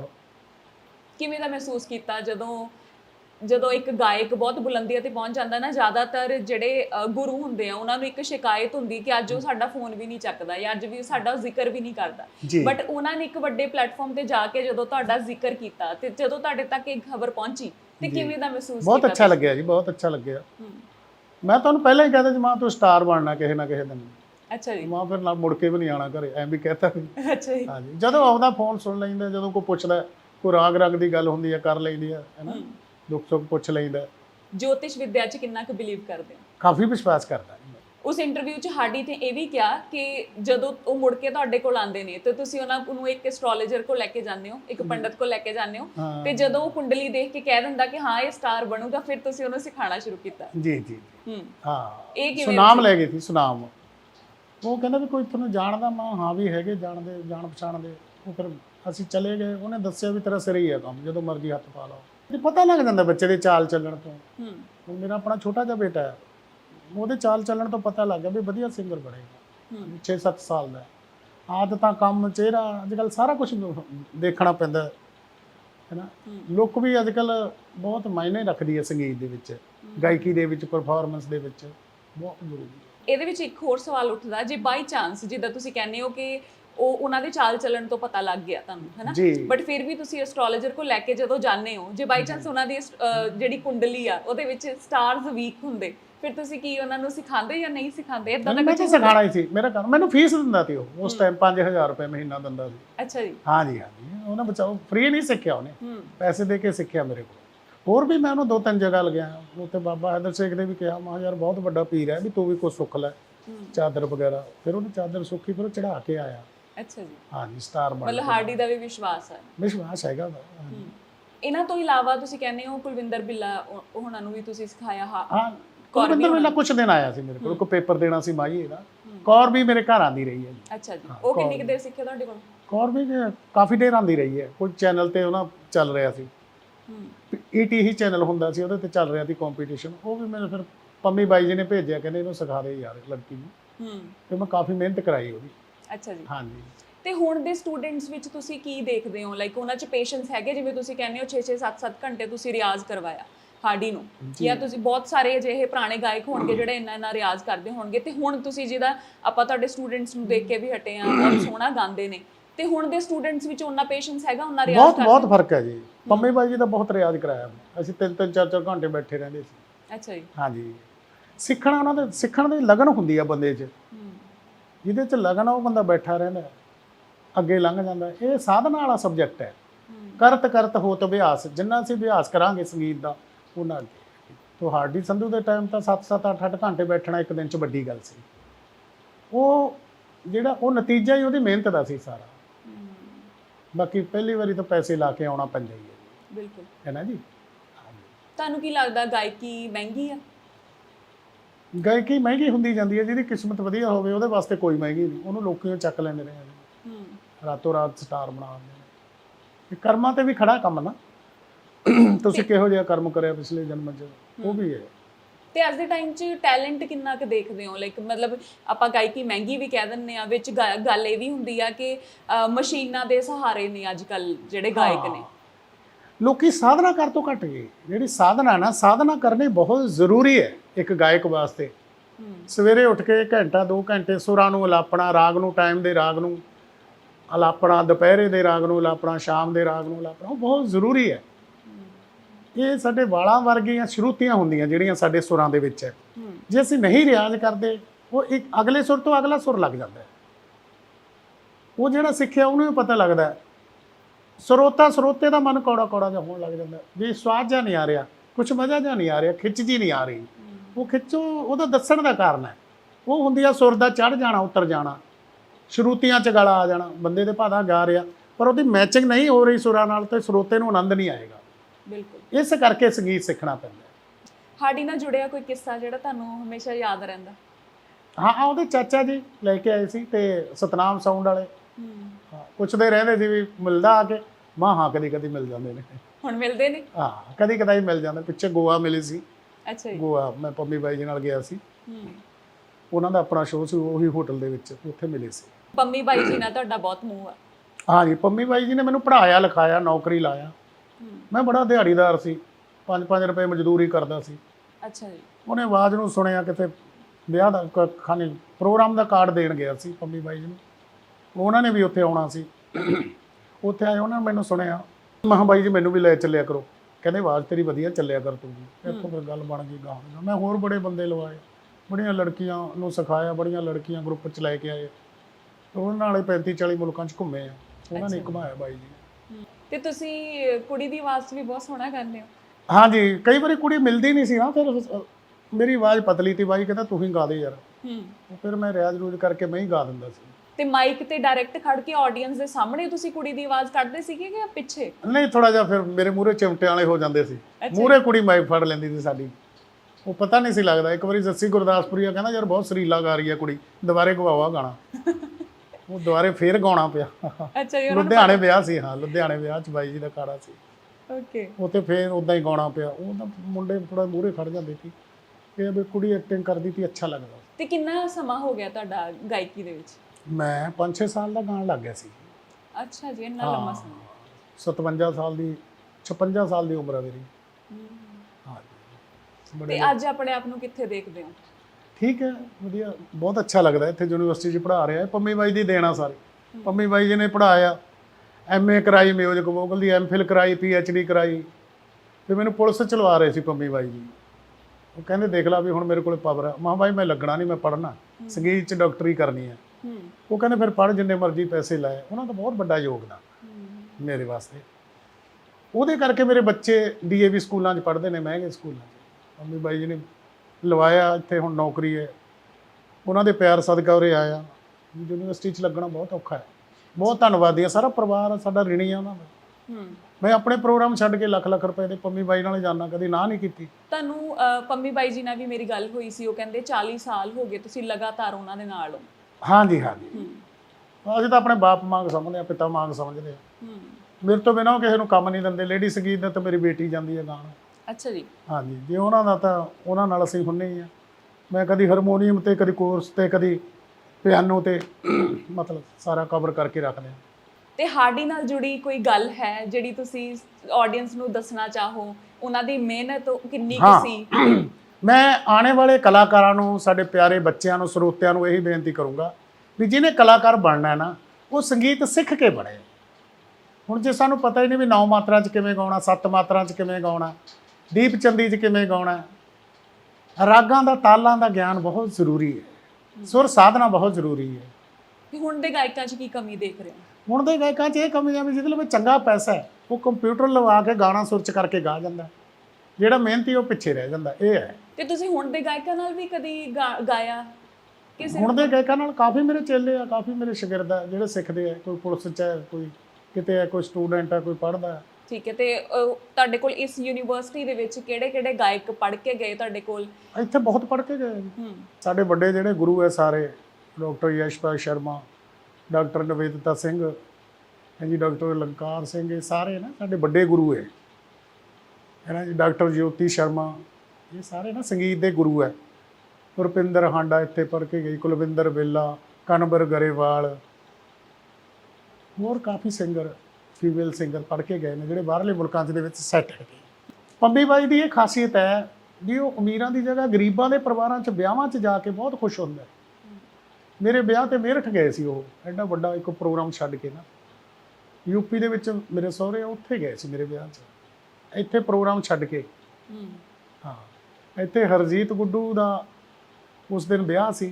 S2: ਕਿਵੇਂ ਦਾ ਮਹਿਸੂਸ ਕੀਤਾ ਜਦੋਂ ਜਦੋਂ ਇੱਕ ਗਾਇਕ ਬਹੁਤ ਬੁਲੰਦੀਆਂ ਤੇ ਪਹੁੰਚ ਜਾਂਦਾ ਨਾ? ਜ਼ਿਆਦਾਤਰ ਜਿਹੜੇ ਅ, ਗੁਰੂ ਹੁੰਦੇ ਆ ਉਹਨਾਂ ਨੂੰ ਇੱਕ ਸ਼ਿਕਾਇਤ ਹੁੰਦੀ ਕਿ ਅੱਜ ਉਹ ਸਾਡਾ ਫੋਨ ਵੀ ਨਹੀਂ ਚੱਕਦਾ ਜਾਂ ਅੱਜ ਵੀ ਸਾਡਾ ਜ਼ਿਕਰ ਵੀ ਨਹੀਂ ਕਰਦਾ,
S3: ਜੀ।
S2: ਬਟ ਉਹਨਾਂ ਨੇ ਇੱਕ ਵੱਡੇ ਪਲੇਟਫਾਰਮ ਤੇ ਜਾ ਕੇ ਜਦੋਂ ਤੁਹਾਡਾ ਜ਼ਿਕਰ ਕੀਤਾ ਤੇ ਜਦੋਂ ਤੁਹਾਡੇ ਤੱਕ ਇਹ ਖਬਰ ਪਹੁੰਚੀ ਤੇ ਕਿਵੇਂ ਦਾ ਮਹਿਸੂਸ ਕੀਤਾ?
S3: ਬਹੁਤ ਅੱਛਾ ਲੱਗਿਆ ਜੀ, ਬਹੁਤ ਅੱਛਾ ਲੱਗਿਆ।
S2: ਹੂੰ
S3: ਮੈਂ ਤੁਹਾਨੂੰ ਪਹਿਲਾਂ ਹੀ ਕਹਿੰਦਾ ਜੀ, ਮਾਂ ਤੂੰ ਸਟਾਰ ਬਣਨਾ ਕਿਸੇ ਨਾ ਕਿਸੇ ਦਿਨ।
S2: ਅੱਛਾ ਜੀ।
S3: ਮਾਂ ਫਿਰ ਨਾਲ ਮੁੜ ਕੇ ਵੀ ਨਹੀਂ ਆਉਣਾ ਘਰੇ, ਐਂ ਵੀ ਕਹਿਤਾ ਵੀ।
S2: ਅੱਛਾ ਜੀ।
S3: ਹਾਂਜੀ, ਜਦੋਂ ਆਉਂਦਾ ਫੋਨ ਸੁਣ ਲੈਂਦਾ, ਜਦੋਂ ਕੋਈ ਪੁੱਛਦਾ, ਕੋਈ ਰਾਗ ਰੰਗ ਦੀ ਗੱਲ ਹੁੰਦੀ ਹੈ ਕਰ ਲਈਦੀ ਹੈ ਹੈ ਨਾ, ਦੁੱਖ ਸੁੱਖ ਪੁੱਛ ਲਈਦਾ।
S2: ਜੋਤਿਸ਼ ਵਿਦਿਆ 'ਚ ਕਿੰਨਾ ਕੁ ਬਿਲੀਵ ਕਰਦੇ ਹੋ?
S3: ਕਾਫੀ ਵਿਸ਼ਵਾਸ ਕਰਦਾ ਜੀ ਮੈਂ।
S2: ਉਸ ਇੰਟਰਵਿਊ 'ਚ ਹਾਰਡੀ ਤੇ ਇਹ ਵੀ ਕਿਹਾ ਕਿ ਜਦੋਂ ਉਹ ਮੁੜ ਕੇ ਤੁਹਾਡੇ ਕੋਲ ਆਉਂਦੇ ਨੇ ਤੇ ਤੁਸੀਂ ਉਹਨਾਂ ਨੂੰ ਇੱਕ ਐਸਟ੍ਰੋਲੋਜਰ ਕੋਲ ਲੈ ਕੇ ਜਾਂਦੇ ਹੋ, ਇੱਕ ਪੰਡਤ ਕੋਲ ਲੈ ਕੇ ਜਾਂਦੇ ਹੋ,
S3: ਹਾਂ।
S2: ਤੇ ਜਦੋਂ ਉਹ ਕੁੰਡਲੀ ਦੇਖ ਕੇ ਕਹਿ ਦਿੰਦਾ ਕਿ ਹਾਂ ਇਹ ਸਟਾਰ ਬਣੂਗਾ, ਫਿਰ ਤੁਸੀਂ ਉਹਨੂੰ ਸਿਖਾਉਣਾ ਸ਼ੁਰੂ ਕੀਤਾ।
S3: ਜੀ ਜੀ
S2: ਹੂੰ
S3: ਹਾਂ,
S2: ਇਹ ਕਿਵੇਂ
S3: ਸੁਨਾਮ ਲੈ ਗਈ ਸੀ, ਸੁਨਾਮ। ਉਹ ਕਹਿੰਦਾ ਵੀ ਕੋਈ ਤੁਹਾਨੂੰ ਜਾਣਦਾ? ਮੈਂ ਹਾਂ ਵੀ ਹੈਗੇ ਜਾਣਦੇ, ਜਾਣ ਪਛਾਣ ਦੇ। ਉਹ ਫਿਰ ਅਸੀਂ ਚਲੇ ਗਏ, ਉਹਨੇ ਦੱਸਿਆ ਵੀ ਤੇਰਾ ਸਿਰ ਹੀ ਹੈ ਕੰਮ, ਜਦੋਂ ਮਰਜ਼ੀ ਹੱਥ ਪਾ ਲਓ। ਤੇ ਪਤਾ ਲੱਗ ਜਾਂਦਾ ਬੱਚੇ ਦੇ ਚਾਲ ਚੱਲਣ ਤੋਂ।
S2: ਹੂੰ
S3: ਹੁਣ ਮੇਰਾ ਆਪਣਾ ਛੋਟਾ ਜਿਹਾ ਬੇਟਾ ਹੈ, ਉਹਦੇ ਚਾਲ ਚੱਲਣ ਤੋਂ ਪਤਾ ਲੱਗ ਗਿਆ ਵੀ ਵਧੀਆ ਸਿੰਗਰ ਬਣੇਗਾ।
S2: ਹੂੰ
S3: ਛੇ ਸੱਤ ਸਾਲ ਦਾ ਹੈ। ਆਦਤਾਂ, ਕੰਮ, ਚਿਹਰਾ, ਅੱਜ ਕੱਲ੍ਹ ਸਾਰਾ ਕੁਝ ਦੇਖਣਾ ਪੈਂਦਾ ਹੈ ਨਾ। ਲੁੱਕ ਵੀ ਅੱਜ ਕੱਲ੍ਹ ਬਹੁਤ ਮਾਇਨੇ ਰੱਖਦੀ ਹੈ ਸੰਗੀਤ ਦੇ ਵਿੱਚ, ਗਾਇਕੀ ਦੇ ਵਿੱਚ, ਪਰਫਾਰਮੈਂਸ ਦੇ ਵਿੱਚ, ਬਹੁਤ ਜ਼ਰੂਰੀ ਹੈ।
S2: ਇਹਦੇ ਵਿੱਚ ਇੱਕ ਹੋਰ ਸਵਾਲ ਉੱਠਦਾ, ਜੇ ਬਾਈ ਚਾਂਸ ਜਿੱਦਾਂ ਤੁਸੀਂ ਕਹਿੰਦੇ ਹੋ ਕਿ ਉਹ ਉਹਨਾਂ ਦੇ ਚਾਲ ਚੱਲਣ ਤੋਂ ਪਤਾ ਲੱਗ ਗਿਆ ਤੁਹਾਨੂੰ, ਹੈ ਨਾ,
S3: ਜੀ।
S2: ਬਟ ਫਿਰ ਵੀ ਤੁਸੀਂ ਐਸਟ੍ਰੋਲੋਜਰ ਕੋਲ ਲੈ ਕੇ ਜਦੋਂ ਜਾਂਦੇ ਹੋ, ਜੇ ਬਾਈ ਚਾਂਸ ਉਹਨਾਂ ਦੀ ਅਹ, ਜਿਹੜੀ ਕੁੰਡਲੀ ਆ ਉਹਦੇ ਵਿੱਚ ਸਟਾਰਸ ਵੀਕ ਹੁੰਦੇ, ਫਿਰ ਤੁਸੀਂ ਕੀ ਉਹਨਾਂ ਨੂੰ ਸਿਖਾਉਂਦੇ ਜਾਂ ਨਹੀਂ ਸਿਖਾਉਂਦੇ? ਇਦਾਂ ਦਾ
S3: ਮੈਂ
S2: ਕੁਝ
S3: ਤਾਂ ਸਿਖਾਉਣਾ ਹੀ ਸੀ, ਮੇਰਾ ਕੰਮ। ਮੈਨੂੰ ਫੀਸ ਦਿੰਦਾ ਸੀ ਉਹ, ਉਸ ਟਾਈਮ ਪੰਜ ਹਜ਼ਾਰ ਰੁਪਏ ਮਹੀਨਾ ਦਿੰਦਾ ਸੀ।
S2: ਅੱਛਾ ਜੀ।
S3: ਹਾਂਜੀ ਹਾਂਜੀ, ਉਹਨੇ ਬਚਾਓ ਫ੍ਰੀ ਨਹੀਂ ਸਿੱਖਿਆ, ਉਹਨੇ
S2: ਹੂੰ
S3: ਪੈਸੇ ਦੇ ਕੇ ਸਿੱਖਿਆ ਮੇਰੇ ਕੋਲ। ਹੋਰ ਵੀ ਮੈਂ ਉਹਨੂੰ ਦੋ ਤਿੰਨ ਜਗ੍ਹਾ ਲਗਿਆ, ਉੱਥੇ ਬਾਬਾ ਹੈਦਰ ਸ਼ੇਖ ਨੇ ਵੀ ਕਿਹਾ, ਮੈਂ ਯਾਰ ਬਹੁਤ ਵੱਡਾ ਪੀਰ ਹੈ, ਵੀ ਤੂੰ ਵੀ ਕੁਛ ਸੁੱਖ ਲੈ, ਚਾਦਰ ਵਗੈਰਾ। ਫਿਰ ਉਹਨੇ ਚਾਦਰ ਸੁੱਖੀ, ਫਿਰ ਉਹ ਚੜਾ ਕੇ ਆਇਆ।
S2: ਅੱਛਾ ਜੀ।
S3: ਹਾਂਜੀ, ਸਟਾਰ ਬਣ
S2: ਮਤਲਬ ਹਾਰਡੀ ਦਾ ਵੀ ਵਿਸ਼ਵਾਸ ਹੈ।
S3: ਵਿਸ਼ਵਾਸ ਹੈਗਾ ਉਹਦਾ। ਹਾਂਜੀ।
S2: ਇਹਨਾਂ ਤੋਂ ਇਲਾਵਾ ਤੁਸੀਂ ਕਹਿੰਦੇ ਹੋ ਕੁਲਵਿੰਦਰ ਬਿੱਲਾ ਉਹ- ਉਹਨਾਂ ਨੂੰ ਵੀ ਤੁਸੀਂ ਸਿਖਾਇਆ? ਹਾਂ
S3: ਹਾਂ, ਕੁਲਵਿੰਦਰ ਵੇਲਾ ਕੁਛ ਦਿਨ ਆਇਆ ਸੀ ਮੇਰੇ ਕੋਲ, ਕੋਈ ਪੇਪਰ ਦੇਣਾ ਸੀ ਮਾਈਏ ਦਾ। ਕੌਰ ਵੀ ਮੇਰੇ ਘਰ ਆਂਦੀ ਰਹੀ ਹੈ ਜੀ।
S2: ਅੱਛਾ ਜੀ। ਉਹ ਕਿੰਨੀ ਕੁ ਦੇਰ ਸਿੱਖਿਆ ਤੁਹਾਡੇ ਕੋਲ?
S3: ਕੌਰ ਵੀ ਕਾਫੀ ਦੇਰ ਆਂਦੀ ਰਹੀ ਹੈ, ਕੋਈ ਚੈਨਲ ਤੇ ਉਹਨਾਂ ਚੱਲ ਰਿਹਾ ਸੀ,
S2: ਹੂੰ
S3: ਈਟੀ ਹੀ ਚੈਨਲ ਹੁੰਦਾ ਸੀ, ਉਹਦੇ ਤੇ ਚੱਲ ਰਿਹਾ ਸੀ ਕੰਪੀਟੀਸ਼ਨ। ਉਹ ਵੀ ਮੈਨੂੰ ਫਿਰ ਪੰਮੀ ਬਾਈ ਜੀ ਨੇ ਭੇਜਿਆ, ਕਹਿੰਦੇ ਇਹਨੂੰ ਸਿਖਾ ਦੇ ਯਾਰ ਲੜਕੀ ਨੂੰ।
S2: ਹੂੰ
S3: ਤੇ ਮੈਂ ਕਾਫੀ ਮਿਹਨਤ ਕਰਾਈ ਉਹਦੀ।
S2: ਅੱਛਾ ਜੀ।
S3: ਹਾਂਜੀ।
S2: ਤੇ ਹੁਣ ਦੇ ਸਟੂਡੈਂਟਸ ਵਿੱਚ ਤੁਸੀਂ ਕੀ ਦੇਖਦੇ ਹੋ? ਲਾਈਕ ਉਹਨਾਂ 'ਚ ਪੇਸ਼ੈਂਸ ਹੈਗੇ? ਜਿਵੇਂ ਤੁਸੀਂ ਕਹਿੰਦੇ ਹੋ ਛੇ ਛੇ ਸੱਤ ਸੱਤ ਘੰਟੇ ਤੁਸੀਂ ਰਿਆਜ਼ ਕਰਵਾਇਆ ਹਾਰਡੀ ਨੂੰ, ਜਾਂ ਤੁਸੀਂ ਬਹੁਤ ਸਾਰੇ ਅਜਿਹੇ ਪੁਰਾਣੇ ਗਾਇਕ ਹੋਣਗੇ ਜਿਹੜੇ ਇੰਨਾ ਇੰਨਾ ਰਿਆਜ਼ ਕਰਦੇ ਹੋਣਗੇ, ਤੇ ਹੁਣ ਤੁਸੀਂ ਜਿਹਦਾ ਆਪਾਂ ਤੁਹਾਡੇ ਸਟੂਡੈਂਟਸ ਨੂੰ ਦੇਖ ਕੇ ਵੀ ਹਟੇ ਆ, ਬਹੁਤ ਸੋਹਣਾ ਗਾਉਂਦੇ ਨੇ, ਤੇ ਹੁਣ ਦੇ ਸਟੂਡੈਂਟਸ ਵਿੱਚ ਉਹਨਾਂ ਪੇਸ਼ੈਂਸ ਹੈਗਾ, ਉਹਨਾਂ ਰਿਆਜ਼
S3: ਬਹੁਤ
S2: ਕਰਦੇ?
S3: ਬਹੁਤ ਫਰਕ ਹੈ ਜੀ। ਪੰਮੀ ਬਾਈ ਜੀ ਦਾ ਬਹੁਤ ਰਿਆਜ਼ ਕਰਾਇਆ, ਅਸੀਂ ਤਿੰਨ ਤਿੰਨ ਚਾਰ ਚਾਰ ਘੰਟੇ ਬੈਠੇ ਰਹਿੰਦੇ ਸੀ।
S2: ਅੱਛਾ ਜੀ।
S3: ਹਾਂਜੀ, ਸਿੱਖਣਾ ਉਹਨਾਂ ਦੇ, ਸਿੱਖਣ ਦੀ ਲਗਨ ਹੁੰਦੀ ਆ ਬੰਦੇ 'ਚ।
S2: ਹੂੰ
S3: ਜਿਹਦੇ 'ਚ ਲਗਨ ਆ, ਉਹ ਬੰਦਾ ਬੈਠਾ ਰਹਿੰਦਾ, ਅੱਗੇ ਲੰਘ ਜਾਂਦਾ। ਇਹ ਸਾਧਨਾ ਵਾਲਾ ਸਬਜੈਕਟ ਹੈ। ਕਰਤ ਕਰਤ ਹੋਤ ਅਭਿਆਸ, ਜਿੰਨਾ ਅਸੀਂ ਅਭਿਆਸ ਕਰਾਂਗੇ ਸੰਗੀਤ ਦਾ, ਉਹਨਾਂ ਅੱਗੇ। ਤੋ ਹਾਰਡੀ ਸੰਧੂ ਦੇ ਟਾਈਮ ਤਾਂ ਸੱਤ ਸੱਤ ਅੱਠ ਅੱਠ ਘੰਟੇ ਬੈਠਣਾ ਇੱਕ ਦਿਨ 'ਚ ਵੱਡੀ ਗੱਲ ਸੀ। ਉਹ ਜਿਹੜਾ ਉਹ ਨਤੀਜਾ ਹੀ ਉਹਦੀ ਮਿਹਨਤ ਦਾ ਸੀ ਸਾਰਾ। ਬਾਕੀ ਪਹਿਲੀ ਵਾਰੀ ਤਾਂ ਪੈਸੇ ਲਾ ਕੇ ਆਉਣਾ ਪੈਂਦਾ ਹੀ ਹੈ।
S2: ਬਿਲਕੁਲ।
S3: ਹੈ ਨਾ ਜੀ।
S2: ਤੁਹਾਨੂੰ ਕੀ ਲੱਗਦਾ ਗਾਇਕੀ ਮਹਿੰਗੀ ਆ?
S3: ਗਾਇਕੀ ਮਹਿੰਗੀ ਹੁੰਦੀ ਜਾਂਦੀ ਹੈ, ਜਿਹਦੀ ਕਿਸਮਤ ਵਧੀਆ ਹੋਵੇ ਉਹਦੇ ਵਾਸਤੇ ਕੋਈ ਮਹਿੰਗੀ ਨਹੀਂ, ਉਹਨੂੰ ਲੋਕੀ ਉਹ ਚੱਕ ਲੈਂਦੇ ਨੇ
S2: ਹੂੰ
S3: ਰਾਤੋਂ ਰਾਤ ਸਟਾਰ ਬਣਾ ਦਿੰਦੇ ਨੇ। ਇਹ ਕਰਮਾਂ ਤੇ ਵੀ ਖੜਾ ਕੰਮ ਨਾ, ਤੁਸੀਂ ਕਿਹੋ ਜਿਹਾ ਕਰਮ ਕਰਿਆ ਪਿਛਲੇ ਜਨਮ 'ਚ ਉਹ ਵੀ ਹੈ।
S2: ਤੇ ਅੱਜ ਦੇ ਟਾਈਮ 'ਚ ਟੈਲੈਂਟ ਕਿੰਨਾ ਕੁ ਦੇਖਦੇ ਹੋ? ਲਾਈਕ ਮਤਲਬ ਆਪਾਂ ਗਾਇਕੀ ਮਹਿੰਗੀ ਵੀ ਕਹਿ ਦਿੰਦੇ ਆ, ਵਿੱਚ ਗਾ- ਗੱਲ ਇਹ ਵੀ ਹੁੰਦੀ ਆ ਕਿ ਅ, ਮਸ਼ੀਨਾਂ ਦੇ ਸਹਾਰੇ ਨੇ ਅੱਜ ਕੱਲ ਜਿਹੜੇ ਗਾਇਕ ਨੇ।
S3: ਲੋਕੀ ਸਾਧਨਾ ਕਰ ਤੋਂ ਘੱਟ ਗਏ। ਜਿਹੜੀ ਸਾਧਨਾ ਨਾ, ਸਾਧਨਾ ਕਰਨੀ ਬਹੁਤ ਜ਼ਰੂਰੀ ਹੈ ਇੱਕ ਗਾਇਕ ਵਾਸਤੇ। ਸਵੇਰੇ ਉੱਠ ਕੇ ਘੰਟਾ ਦੋ ਘੰਟੇ ਸੁਰਾਂ ਨੂੰ ਅਲਾਪਣਾ, ਰਾਗ ਨੂੰ ਟਾਈਮ ਦੇ ਰਾਗ ਨੂੰ ਅਲਾਪਣਾ, ਦੁਪਹਿਰੇ ਦੇ ਰਾਗ ਨੂੰ ਅਲਾਪਣਾ, ਸ਼ਾਮ ਦੇ ਰਾਗ ਨੂੰ ਅਲਾਪਣਾ, ਉਹ ਬਹੁਤ ਜ਼ਰੂਰੀ ਹੈ। ਇਹ ਸਾਡੇ ਵਾਲਾਂ ਵਰਗੀਆਂ ਸ਼ਰੂਤੀਆਂ ਹੁੰਦੀਆਂ ਜਿਹੜੀਆਂ ਸਾਡੇ ਸੁਰਾਂ ਦੇ ਵਿੱਚ ਹੈ। ਜੇ ਅਸੀਂ ਨਹੀਂ ਰਿਆਜ਼ ਕਰਦੇ, ਉਹ ਇੱਕ ਅਗਲੇ ਸੁਰ ਤੋਂ ਅਗਲਾ ਸੁਰ ਲੱਗ ਜਾਂਦਾ ਹੈ। ਉਹ ਜਿਹੜਾ ਸਿੱਖਿਆ ਉਹਨੂੰ ਵੀ ਪਤਾ ਲੱਗਦਾ ਹੈ। ਸਰੋਤਾ ਸਰੋਤੇ ਦਾ ਮਨ ਕੌੜਾ ਕੌੜਾ ਜਿਹਾ ਹੋਣ ਲੱਗ ਜਾਂਦਾ, ਵੀ ਸਵਾਦ ਜਿਹਾ ਨਹੀਂ ਆ ਰਿਹਾ, ਕੁਛ ਮਜ਼ਾ ਜਿਹਾ ਨਹੀਂ ਆ ਰਿਹਾ, ਖਿੱਚ ਜੀ ਨਹੀਂ ਆ ਰਹੀ। ਉਹ ਖਿੱਚੋ ਉਹਦਾ ਦੱਸਣ ਦਾ ਕਾਰਨ ਹੈ, ਉਹ ਹੁੰਦੀ ਆ ਸੁਰ ਦਾ ਚੜ੍ਹ ਜਾਣਾ, ਉਤਰ ਜਾਣਾ, ਸ਼ਰੂਤੀਆਂ 'ਚ ਗਲਾ ਆ ਜਾਣਾ। ਬੰਦੇ ਦੇ ਭਾਦਾ ਗਾ ਰਿਹਾ ਪਰ ਉਹਦੀ ਮੈਚਿੰਗ ਨਹੀਂ ਹੋ ਰਹੀ ਸੁਰਾਂ ਨਾਲ, ਤੇ ਸਰੋਤੇ ਨੂੰ ਆਨੰਦ ਨਹੀਂ ਆਏਗਾ।
S2: ਬਿਲਕੁਲ।
S3: ਇਸ ਕਰਕੇ ਸੰਗੀਤ ਸਿੱਖਣਾ ਪੈਂਦਾ।
S2: ਹਾਡੀ ਨਾਲ ਜੁੜਿਆ ਕੋਈ ਕਿੱਸਾ ਜਿਹੜਾ ਤੁਹਾਨੂੰ ਹਮੇਸ਼ਾ ਯਾਦ ਰਹਿੰਦਾ?
S3: ਹਾਂ, ਉਹਦੇ ਚਾਚਾ ਜੀ ਲੈ ਕੇ ਆਏ ਸੀ, ਤੇ ਸਤਨਾਮ ਸਾਊਂਡ ਵਾਲੇ ਹਾਂ ਪੁੱਛਦੇ ਰਹਿੰਦੇ ਸੀ ਵੀ ਮਿਲਦਾ ਆ ਕੇ। ਮਾਂ ਹਾਂ ਕਦੀ ਕਦੀ ਮਿਲ ਜਾਂਦੇ ਨੇ।
S2: ਹੁਣ ਮਿਲਦੇ ਨੇ?
S3: ਹਾਂ ਕਦੀ ਕਦਾਈ ਮਿਲ ਜਾਂਦੇ। ਪਿੱਛੇ ਗੋਆ ਮਿਲੇ ਸੀ।
S2: ਅੱਛਾ ਜੀ।
S3: ਗੋਆ ਮੈਂ ਪੰਮੀ ਬਾਈ ਜੀ ਨਾਲ ਗਿਆ ਸੀ,
S2: ਹੂੰ
S3: ਉਹਨਾਂ ਦਾ ਆਪਣਾ ਸ਼ੋਅ ਸੀ, ਉਹੀ ਹੋਟਲ ਦੇ ਵਿੱਚ, ਉੱਥੇ ਮਿਲੇ ਸੀ।
S2: ਪੰਮੀ ਬਾਈ ਜੀ ਨਾਲ ਤੁਹਾਡਾ ਬਹੁਤ ਮੂੰਹ ਆ?
S3: ਹਾਂ ਜੀ, ਪੰਮੀ ਬਾਈ ਜੀ ਨੇ ਮੈਨੂੰ ਪੜ੍ਹਾਇਆ ਲਿਖਾਇਆ, ਨੌਕਰੀ ਲਾਇਆ। ਮੈਂ ਬੜਾ ਦਿਹਾੜੀਦਾਰ ਸੀ, ਪੰਜ ਪੰਜ ਰੁਪਏ ਮਜ਼ਦੂਰੀ ਕਰਦਾ ਸੀ।
S2: ਅੱਛਾ ਜੀ।
S3: ਉਹਨੇ ਆਵਾਜ਼ ਨੂੰ ਸੁਣਿਆ, ਕਿਤੇ ਵਿਆਹ ਦਾ ਕ- ਖਾਣੇ ਪ੍ਰੋਗਰਾਮ ਦਾ ਕਾਰਡ ਦੇਣ ਗਿਆ ਸੀ ਪੰਮੀ ਬਾਈ ਜੀ ਨੂੰ, ਉਹਨਾਂ ਨੇ ਵੀ ਉੱਥੇ ਆਉਣਾ ਸੀ। ਉੱਥੇ ਆਏ, ਉਹਨਾਂ ਨੇ ਮੈਨੂੰ ਸੁਣਿਆ। ਮੈਂ ਕਿਹਾ ਬਾਈ ਜੀ ਮੈਨੂੰ ਵੀ ਲੈ ਚੱਲਿਆ ਕਰੋ। ਕਹਿੰਦੇ ਆਵਾਜ਼ ਤੇਰੀ ਵਧੀਆ ਚੱਲਿਆ ਕਰ ਤੂੰ ਜੀ। ਇੱਥੋਂ ਫਿਰ ਗੱਲ ਬਣ ਗਈ ਗਾਉਣ ਦੀ। ਮੈਂ ਹੋਰ ਬੜੇ ਬੰਦੇ ਲਵਾਏ, ਬੜੀਆਂ ਲੜਕੀਆਂ ਨੂੰ ਸਿਖਾਇਆ, ਬੜੀਆਂ ਲੜਕੀਆਂ ਗਰੁੱਪ 'ਚ ਲੈ ਕੇ ਆਏ। ਉਹਨਾਂ ਨਾਲੇ ਪੈਂਤੀ ਚਾਲੀ ਮੁਲਕਾਂ 'ਚ ਘੁੰਮੇ ਆ, ਉਹਨਾਂ ਨੇ ਘੁਮਾਇਆ ਬਾਈ ਜੀ।
S2: ਤੇ ਤੁਸੀਂ ਕੁੜੀ ਦੀ ਆਵਾਜ਼ 'ਚ ਵੀ ਬਹੁਤ ਸੋਹਣਾ ਗਾਉਂਦੇ ਹੋ।
S3: ਹਾਂਜੀ, ਕਈ ਵਾਰੀ ਕੁੜੀ ਮਿਲਦੀ ਨਹੀਂ ਸੀ ਨਾ, ਫਿਰ ਮੇਰੀ ਆਵਾਜ਼ ਪਤਲੀ ਤੀ, ਬਾਈ ਕਹਿੰਦਾ ਤੂੰ ਹੀ ਗਾ ਦੇ ਯਾਰ।
S2: ਹੂੰ
S3: ਫਿਰ ਮੈਂ ਰਿਆਜ਼ ਰੂਜ਼ ਕਰਕੇ ਮੈਂ ਹੀ ਗਾ ਦਿੰਦਾ ਸੀ।
S2: ਤੇ ਮਾਈਕ ਤੇ ਡਾਇਰੈਕਟ ਖੜ ਕੇ ਆਡੀਅנס ਦੇ ਸਾਹਮਣੇ ਤੁਸੀਂ ਕੁੜੀ ਦੀ ਆਵਾਜ਼ ਕੱਢਦੇ ਸੀਗੇ ਕਿ ਪਿੱਛੇ?
S3: ਨਹੀਂ, ਥੋੜਾ ਜਿਹਾ ਫਿਰ ਮੇਰੇ ਮੂਹਰੇ ਚਿਮਟੇ ਵਾਲੇ ਹੋ ਜਾਂਦੇ ਸੀ। ਮੂਹਰੇ ਕੁੜੀ ਮਾਈਕ ਫੜ ਲੈਂਦੀ ਸੀ ਸਾਡੀ, ਉਹ ਪਤਾ ਨਹੀਂ ਸੀ ਲੱਗਦਾ। ਇੱਕ ਵਾਰੀ ਜੱਸੀ ਗੁਰਦਾਸਪੁਰੀਆ ਕਹਿੰਦਾ ਯਾਰ ਬਹੁਤ ਸਰੀਲਾ ਗਾ ਰਹੀ ਹੈ ਕੁੜੀ, ਦੁਬਾਰੇ ਗਵਾਵਾ ਗਾਣਾ। ਉਹ ਦੁਬਾਰੇ ਫੇਰ ਗਾਉਣਾ ਪਿਆ।
S2: ਅੱਛਾ ਜੀ।
S3: ਲੁਧਿਆਣੇ ਵਿਆਹ ਸੀ, ਹਾਂ ਲੁਧਿਆਣੇ ਵਿਆਹ 'ਚ ਬਾਈ ਜੀ ਦਾ ਕਾੜਾ ਸੀ।
S2: ਓਕੇ।
S3: ਉੱਥੇ ਫੇਰ ਉਦਾਂ ਹੀ ਗਾਉਣਾ ਪਿਆ। ਉਹ ਤਾਂ ਮੁੰਡੇ ਥੋੜਾ ਮੂਹਰੇ ਖੜ ਜਾਂਦੇ ਸੀ, ਇਹ ਵੀ ਕੁੜੀ ਐਕਟਿੰਗ ਕਰਦੀ ਸੀ, ਅੱਛਾ ਲੱਗਦਾ।
S2: ਤੇ ਕਿੰਨਾ ਸਮਾਂ ਹੋ ਗਿਆ ਤੁਹਾਡਾ ਗਾਇਕੀ ਦੇ ਵਿੱਚ?
S3: ਮੈਂ ਪੰਜ ਛੇ ਸਾਲ ਦਾ ਗਾਣ ਲੱਗ ਗਿਆ ਸੀ।
S2: ਅੱਛਾ ਜੀ, ਇੰਨਾ ਲੰਮਾ ਸਮਾਂ।
S3: ਸਤਵੰਜਾ ਸਾਲ ਦੀ ਛਪੰਜਾ ਸਾਲ ਦੀ ਉਮਰ ਹੈ ਮੇਰੀ। ਹਾਂ ਜੀ।
S2: ਤੇ ਅੱਜ ਆਪਣੇ ਆਪ ਨੂੰ ਕਿੱਥੇ ਦੇਖਦੇ ਹੋ?
S3: ਠੀਕ ਹੈ, ਵਧੀਆ, ਬਹੁਤ ਅੱਛਾ ਲੱਗਦਾ। ਇੱਥੇ ਯੂਨੀਵਰਸਿਟੀ 'ਚ ਪੜ੍ਹਾ ਰਿਹਾ। ਪੰਮੀ ਬਾਈ ਦੀ ਦੇਣਾ ਸਾਰੀ। ਪੰਮੀ ਬਾਈ ਜੀ ਨੇ ਪੜ੍ਹਾਇਆ, ਐਮ ਏ ਕਰਾਈ ਮਿਊਜ਼ਿਕ ਵੋਕਲ ਦੀ, ਐਮ ਫਿਲ ਕਰਾਈ, ਪੀ ਐਚ ਡੀ ਕਰਾਈ। ਤੇ ਮੈਨੂੰ ਪੁਲਿਸ 'ਚ ਲਵਾ ਰਹੇ ਸੀ ਪੰਮੀ ਬਾਈ ਜੀ। ਉਹ ਕਹਿੰਦੇ ਦੇਖ ਲਾ ਵੀ ਹੁਣ ਮੇਰੇ ਕੋਲ ਪਾਵਰ ਹੈ। ਮੈਂ ਬਾਈ ਮੈਂ ਲੱਗਣਾ ਨਹੀਂ, ਮੈਂ ਪੜ੍ਹਨਾ ਸੰਗੀਤ 'ਚ ਡਾਕਟਰੀ ਕਰਨੀ ਹੈ। ਉਹ ਕਹਿੰਦੇ ਫਿਰ ਪੜ੍ਹ, ਜਿੰਨੇ ਮਰਜ਼ੀ ਪੈਸੇ ਲਾਏ। ਉਹਨਾਂ ਦਾ ਬਹੁਤ ਵੱਡਾ ਯੋਗਦਾਨ ਮੇਰੇ ਵਾਸਤੇ। ਉਹਦੇ ਕਰਕੇ ਮੇਰੇ ਬੱਚੇ ਡੀ ਏ ਵੀ ਸਕੂਲਾਂ 'ਚ ਪੜ੍ਹਦੇ ਨੇ, ਮਹਿੰਗੇ ਸਕੂਲਾਂ 'ਚ। ਮੰਮੀ ਬਾਈ ਜੀ ਨੇ ਲਵਾਇਆ, ਇੱਥੇ ਹੁਣ ਨੌਕਰੀ ਹੈ। ਉਹਨਾਂ ਦੇ ਪਿਆਰ ਸਦਕਾ ਉਰੇ ਆਇਆ। ਯੂਨੀਵਰਸਿਟੀ 'ਚ ਲੱਗਣਾ ਬਹੁਤ ਔਖਾ ਹੈ। ਬਹੁਤ ਧੰਨਵਾਦੀ ਆ, ਸਾਰਾ ਪਰਿਵਾਰ ਸਾਡਾ ਰਿਣੀ ਆ ਉਹਨਾਂ ਦਾ। ਮੈਂ ਆਪਣੇ ਪ੍ਰੋਗਰਾਮ ਛੱਡ ਕੇ ਲੱਖ ਲੱਖ ਰੁਪਏ ਦੇ ਪੰਮੀ ਬਾਈ ਨਾਲ ਜਾਣਾ, ਕਦੀ ਨਾ ਨਹੀਂ ਕੀਤੀ।
S2: ਤੁਹਾਨੂੰ ਅ, ਪੰਮੀ ਬਾਈ ਜੀ ਨਾਲ ਵੀ ਮੇਰੀ ਗੱਲ ਹੋਈ ਸੀ, ਉਹ ਕਹਿੰਦੇ ਚਾਲੀ ਸਾਲ ਹੋ ਗਏ ਤੁਸੀਂ ਲਗਾਤਾਰ ਉਹਨਾਂ ਦੇ ਨਾਲ ਹੋ।
S3: ਹਾਂਜੀ ਹਾਂਜੀ, ਅਸੀਂ ਤਾਂ ਆਪਣੇ ਬਾਪ ਵਾਂਗ ਸਮਝਦੇ ਹਾਂ, ਪਿਤਾ ਵਾਂਗ ਸਮਝਦੇ ਹਾਂ। ਮੇਰੇ ਤੋਂ ਬਿਨਾਂ ਕਿਸੇ ਨੂੰ ਕੰਮ ਨਹੀਂ ਦਿੰਦੇ। ਲੇਡੀ ਸੰਗੀਤ ਦਾ ਤਾਂ ਮੇਰੀ ਬੇਟੀ ਜਾਂਦੀ ਹੈ ਗਾਣ।
S2: ਅੱਛਾ ਜੀ।
S3: ਹਾਂਜੀ, ਜੇ ਉਹਨਾਂ ਦਾ ਤਾਂ ਉਹਨਾਂ ਨਾਲ ਅਸੀਂ ਹੁੰਨੇ ਹੀ ਆ। ਮੈਂ ਕਦੀ ਹਾਰਮੋਨੀਅਮ 'ਤੇ, ਕਦੀ ਕੋਰਸ 'ਤੇ, ਕਦੀ ਪਿਆਨੋ 'ਤੇ, ਮਤਲਬ ਸਾਰਾ ਕਵਰ ਕਰਕੇ ਰੱਖਦੇ ਹਾਂ।
S2: ਤੇ ਹਾਡੀ ਨਾਲ ਜੁੜੀ ਕੋਈ ਗੱਲ ਹੈ ਜਿਹੜੀ ਤੁਸੀਂ ਆਡੀਅנס ਨੂੰ ਦੱਸਣਾ ਚਾਹੋ? ਉਹਨਾਂ ਦੀ ਮਿਹਨਤ ਕਿੰਨੀ ਕੁ ਸੀ?
S3: ਮੈਂ ਆਉਣੇ ਵਾਲੇ ਕਲਾਕਾਰਾਂ ਨੂੰ, ਸਾਡੇ ਪਿਆਰੇ ਬੱਚਿਆਂ ਨੂੰ, ਸਰੋਤਿਆਂ ਨੂੰ ਇਹੀ ਬੇਨਤੀ ਕਰੂੰਗਾ ਵੀ ਜਿਹਨੇ ਕਲਾਕਾਰ ਬਣਨਾ ਹੈ ਨਾ, ਉਹ ਸੰਗੀਤ ਸਿੱਖ ਕੇ ਬਣੇ। ਹੁਣ ਜੇ ਸਾਨੂੰ ਪਤਾ ਹੀ ਨਹੀਂ ਵੀ ਨੌ ਮਾਤਰਾ 'ਚ ਕਿਵੇਂ ਗਾਉਣਾ, ਸੱਤ ਮਾਤਰਾ 'ਚ ਕਿਵੇਂ ਗਾਉਣਾ, ਦੀਪ ਚੰਦੀ 'ਚ ਕਿਵੇਂ ਗਾਉਣਾ, ਰਾਗਾਂ ਦਾ, ਤਾਲਾਂ ਦਾ ਗਿਆਨ ਬਹੁਤ ਜ਼ਰੂਰੀ ਹੈ। ਸੁਰ ਸਾਧਨਾ ਬਹੁਤ ਜ਼ਰੂਰੀ ਹੈ।
S2: ਕਿ ਹੁਣ ਦੇ ਗਾਇਕਾਂ 'ਚ ਕੀ ਕਮੀ ਦੇਖ ਰਹੇ ਹੋ?
S3: ਹੁਣ ਦੇ ਗਾਇਕਾਂ 'ਚ ਇਹ ਕਮੀ ਆ ਵੀ ਜਿਹਦੇ ਲਈ ਚੰਗਾ ਪੈਸਾ ਹੈ, ਉਹ ਕੰਪਿਊਟਰ ਲਵਾ ਕੇ ਗਾਣਾ ਸੁਰਚ ਕਰਕੇ ਗਾ ਜਾਂਦਾ। ਜਿਹੜਾ ਮਿਹਨਤੀ ਉਹ ਪਿੱਛੇ ਰਹਿ ਜਾਂਦਾ। ਇਹ ਹੈ।
S2: ਤੇ ਤੁਸੀਂ ਹੁਣ ਦੇ ਗਾਇਕਾਂ ਨਾਲ ਵੀ ਕਦੀ ਗਾ- ਗਾਇਆ ਕਿਸੇ?
S3: ਹੁਣ ਦੇ ਗਾਇਕਾਂ ਨਾਲ ਕਾਫੀ ਮੇਰੇ ਚੇਲੇ ਆ, ਕਾਫੀ ਮੇਰੇ ਸ਼ਾਗਿਰਦ ਆ ਜਿਹੜੇ ਸਿੱਖਦੇ ਆ। ਕੋਈ ਪੁਲਿਸ 'ਚ ਹੈ, ਕੋਈ ਕਿਤੇ ਹੈ, ਕੋਈ ਸਟੂਡੈਂਟ ਹੈ, ਕੋਈ ਪੜ੍ਹਦਾ ਹੈ।
S2: ਠੀਕ ਹੈ ਤੇ ਅਹ, ਤੁਹਾਡੇ ਕੋਲ ਇਸ ਯੂਨੀਵਰਸਿਟੀ ਦੇ ਵਿੱਚ ਕਿਹੜੇ ਕਿਹੜੇ ਗਾਇਕ ਪੜ੍ਹ ਕੇ ਗਏ ਤੁਹਾਡੇ ਕੋਲ?
S3: ਇੱਥੇ ਬਹੁਤ ਪੜ੍ਹ ਕੇ ਗਏ ਜੀ।
S2: ਹੂੰ
S3: ਸਾਡੇ ਵੱਡੇ ਜਿਹੜੇ ਗੁਰੂ ਹੈ ਸਾਰੇ, ਡਾਕਟਰ ਯਸ਼ਪਾਲ ਸ਼ਰਮਾ, ਡਾਕਟਰ ਨਵੇਦਤਾ ਸਿੰਘ ਹੈ ਜੀ, ਡਾਕਟਰ ਲੰਕਾਰ ਸਿੰਘ, ਇਹ ਸਾਰੇ ਨਾ ਸਾਡੇ ਵੱਡੇ ਗੁਰੂ ਹੈ ਹੈ ਨਾ ਜੀ। ਡਾਕਟਰ ਜੋਤੀ ਸ਼ਰਮਾ, ਇਹ ਸਾਰੇ ਨਾ ਸੰਗੀਤ ਦੇ ਗੁਰੂ ਹੈ। ਰੁਪਿੰਦਰ ਹਾਂਡਾ ਇੱਥੇ ਪੜ੍ਹ ਕੇ ਗਈ, ਕੁਲਵਿੰਦਰ ਵੇਲਾ, ਕਨਵਰ ਗਰੇਵਾਲ, ਹੋਰ ਕਾਫੀ ਸਿੰਗਰ, ਫੀਮੇਲ ਸਿੰਗਰ ਪੜ੍ਹ ਕੇ ਗਏ ਨੇ ਜਿਹੜੇ ਬਾਹਰਲੇ ਮੁਲਕਾਂ 'ਚ ਦੇ ਵਿੱਚ ਸੈੱਟ ਹੈਗੇ। ਪੰਮੀ ਬਾਈ ਦੀ ਇਹ ਖਾਸੀਅਤ ਹੈ ਵੀ ਉਹ ਅਮੀਰਾਂ ਦੀ ਜਗ੍ਹਾ ਗਰੀਬਾਂ ਦੇ ਪਰਿਵਾਰਾਂ 'ਚ ਵਿਆਹਾਂ 'ਚ ਜਾ ਕੇ ਬਹੁਤ ਖੁਸ਼ ਹੁੰਦਾ। ਮੇਰੇ ਵਿਆਹ ਤੇ ਮੇਰਠ ਗਏ ਸੀ ਉਹ, ਐਡਾ ਵੱਡਾ ਇੱਕ ਪ੍ਰੋਗਰਾਮ ਛੱਡ ਕੇ ਨਾ, ਯੂਪੀ ਦੇ ਵਿੱਚ ਮੇਰੇ ਸਹੁਰੇ ਆ, ਉੱਥੇ ਗਏ ਸੀ ਮੇਰੇ ਵਿਆਹ 'ਚ, ਇੱਥੇ ਪ੍ਰੋਗਰਾਮ ਛੱਡ ਕੇ। ਹਾਂ, ਇੱਥੇ ਹਰਜੀਤ ਗੁੱਡੂ ਦਾ ਉਸ ਦਿਨ ਵਿਆਹ ਸੀ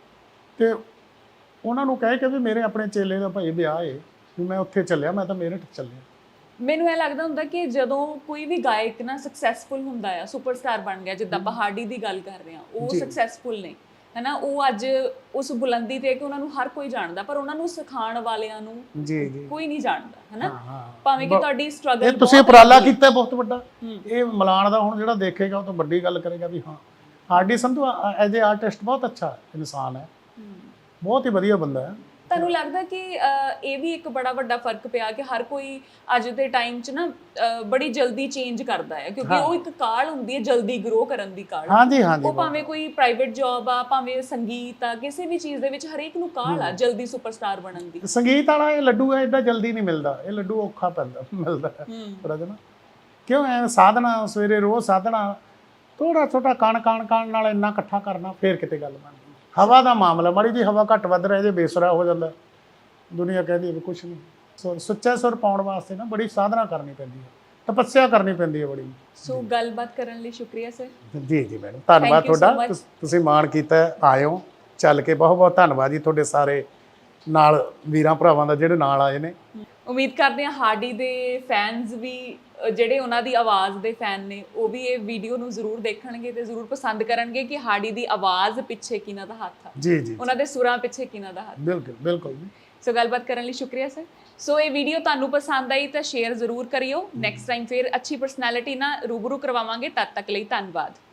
S3: ਤੇ ਉਹਨਾਂ ਨੂੰ ਕਹਿ ਕੇ ਵੀ ਮੇਰੇ ਆਪਣੇ ਚੇਲੇ ਦਾ ਭਾਈ ਵਿਆਹ ਏ, ਵੀ ਮੈਂ ਉੱਥੇ ਚੱਲਿਆ, ਮੈਂ ਤਾਂ ਮੇਰਠ ਚੱਲਿਆ।
S2: ਮੈਨੂੰ ਇਹ ਲੱਗਦਾ ਹੁੰਦਾ ਕਿ ਜਦੋਂ ਕੋਈ ਵੀ ਗਾਇਕ ਨਾ ਸਕਸੈਸਫੁਲ ਹੁੰਦਾ ਆ, ਸੁਪਰਸਟਾਰ ਬਣ ਗਿਆ, ਜਿੱਦਾਂ ਪਹਾੜੀ ਦੀ ਗੱਲ ਕਰ ਰਹੇ ਹਾਂ, ਉਹ ਸਕਸੈਸਫੁਲ ਨੇ ਹੈਨਾ, ਉਹ ਅੱਜ ਉਸ ਬੁਲੰਦੀ ਤੇ ਕਿ ਉਹਨਾਂ ਨੂੰ ਹਰ ਕੋਈ ਜਾਣਦਾ, ਪਰ ਉਹਨਾਂ ਨੂੰ ਸਿਖਾਉਣ ਵਾਲਿਆਂ ਨੂੰ
S3: ਜੀ ਜੀ
S2: ਕੋਈ ਨਹੀਂ ਜਾਣਦਾ ਹੈਨਾ।
S3: ਹਾਂ,
S2: ਭਾਵੇਂ ਕਿ ਤੁਹਾਡੀ ਸਟਰਗਲ,
S3: ਇਹ ਤੁਸੀਂ ਉਪਰਾਲਾ ਕੀਤਾ ਬਹੁਤ ਵੱਡਾ, ਇਹ ਮਿਲਾਨ ਦਾ ਹੁਣ ਜਿਹੜਾ ਦੇਖੇਗਾ ਉਹ ਤਾਂ ਵੱਡੀ ਗੱਲ ਕਰੇਗਾ ਵੀ ਹਾਂ ਹਾਡੀ ਸੰਧੂ ਐਜ਼ ਏ ਆਰਟਿਸਟ ਬਹੁਤ ਅੱਛਾ ਇਨਸਾਨ ਹੈ, ਬਹੁਤ ਹੀ ਵਧੀਆ ਬੰਦਾ ਹੈ।
S2: ਤੁਹਾਨੂੰ ਲੱਗਦਾ ਕਿ ਇਹ ਵੀ ਇੱਕ ਬੜਾ ਵੱਡਾ ਫਰਕ ਪਿਆ ਕਿ ਹਰ ਕੋਈ ਅੱਜ ਦੇ ਟਾਈਮ 'ਚ ਨਾ ਬੜੀ ਜਲਦੀ ਚੇਂਜ ਕਰਦਾ ਹੈ, ਕਿਉਂਕਿ ਉਹ ਇੱਕ ਕਾਲ ਹੁੰਦੀ ਹੈ ਜਲਦੀ ਗਰੋ ਕਰਨ ਦੀ ਕਾਲ।
S3: ਹਾਂਜੀ ਹਾਂਜੀ,
S2: ਉਹ ਭਾਵੇਂ ਕੋਈ ਪ੍ਰਾਈਵੇਟ ਜੌਬ ਆ, ਭਾਵੇਂ ਸੰਗੀਤ ਆ, ਕਿਸੇ ਵੀ ਚੀਜ਼ ਦੇ ਵਿੱਚ ਹਰੇਕ ਨੂੰ ਕਾਲ ਆ ਜਲਦੀ ਸੁਪਰਸਟਾਰ ਬਣਨ ਦੀ।
S3: ਸੰਗੀਤ ਵਾਲਾ ਇਹ ਲੱਡੂ ਹੈ ਏਦਾਂ ਜਲਦੀ ਨਹੀਂ ਮਿਲਦਾ, ਇਹ ਲੱਡੂ ਔਖਾ ਪੈਂਦਾ ਮਿਲਦਾ ਥੋੜਾ ਜਿਹਾ ਨਾ, ਕਿਉਂ ਐ ਸਾਧਨਾ ਸਵੇਰੇ ਰੋਜ਼ ਸਾਧਨਾ, ਥੋੜਾ ਛੋਟਾ ਕਣ ਕਣ ਕਣ ਨਾਲ ਇੰਨਾ ਇਕੱਠਾ ਕਰਨਾ, ਫੇਰ ਕਿਤੇ ਗੱਲ ਬਣਦੀ। ਹਵਾ ਦਾ ਮਾਮਲਾ, ਮਾੜੀ ਜੀ ਹਵਾ ਘੱਟ ਵੱਧ ਰਹੇ ਜੇ ਬੇਸੁਰਾ ਹੋ ਜਾਂਦਾ, ਦੁਨੀਆ ਕਹਿੰਦੀ ਹੈ ਵੀ ਕੁਛ ਨਹੀਂ। ਸੋ ਸੁੱਚਾ ਸੁਰ ਪਾਉਣ ਵਾਸਤੇ ਨਾ ਬੜੀ ਸਾਧਨਾ ਕਰਨੀ ਪੈਂਦੀ ਹੈ, ਤਪੱਸਿਆ ਕਰਨੀ ਪੈਂਦੀ ਹੈ ਬੜੀ।
S2: ਸੋ ਗੱਲਬਾਤ ਕਰਨ ਲਈ ਸ਼ੁਕਰੀਆ ਸਰ।
S3: ਜੀ ਜੀ ਮੈਡਮ, ਧੰਨਵਾਦ ਤੁਹਾਡਾ, ਤੁਸੀਂ ਮਾਣ ਕੀਤਾ ਆਇਓ ਚੱਲ ਕੇ, ਬਹੁਤ ਬਹੁਤ ਧੰਨਵਾਦ ਜੀ ਤੁਹਾਡੇ ਸਾਰੇ ਨਾਲ ਵੀਰਾਂ ਭਰਾਵਾਂ ਦਾ ਜਿਹੜੇ ਨਾਲ ਆਏ ਨੇ।
S2: ਉਮੀਦ ਕਰਦੇ ਹਾਂ ਹਾਡੀ ਦੇ ਫੈਨਸ ਵੀ, ਜਿਹੜੇ ਉਹਨਾਂ ਦੀ ਆਵਾਜ਼ ਦੇ ਫੈਨ ਨੇ, ਉਹ ਵੀ ਇਹ ਵੀਡੀਓ ਨੂੰ ਜ਼ਰੂਰ ਦੇਖਣਗੇ ਤੇ ਜ਼ਰੂਰ ਪਸੰਦ ਕਰਨਗੇ ਕਿ ਹਾਡੀ ਦੀ ਆਵਾਜ਼ ਪਿੱਛੇ ਕਿਹਨਾਂ ਦਾ ਹੱਥ ਆ,
S3: ਜੀ ਜੀ,
S2: ਉਹਨਾਂ ਦੇ ਸੁਰਾਂ ਪਿੱਛੇ ਕਿਹਨਾਂ ਦਾ ਹੱਥ।
S3: ਬਿਲਕੁਲ ਬਿਲਕੁਲ ਜੀ।
S2: ਸੋ ਗੱਲਬਾਤ ਕਰਨ ਲਈ ਸ਼ੁਕਰੀਆ ਸਰ। ਸੋ ਇਹ ਵੀਡੀਓ ਤੁਹਾਨੂੰ ਪਸੰਦ ਆਈ ਤਾਂ ਸ਼ੇਅਰ ਜ਼ਰੂਰ ਕਰਿਓ। ਨੈਕਸਟ ਟਾਈਮ ਫਿਰ ਅੱਛੀ ਪਰਸਨੈਲਿਟੀ ਨਾਲ ਰੂਬਰੂ ਕਰਵਾਵਾਂਗੇ, ਤਦ ਤੱਕ ਲਈ ਧੰਨਵਾਦ।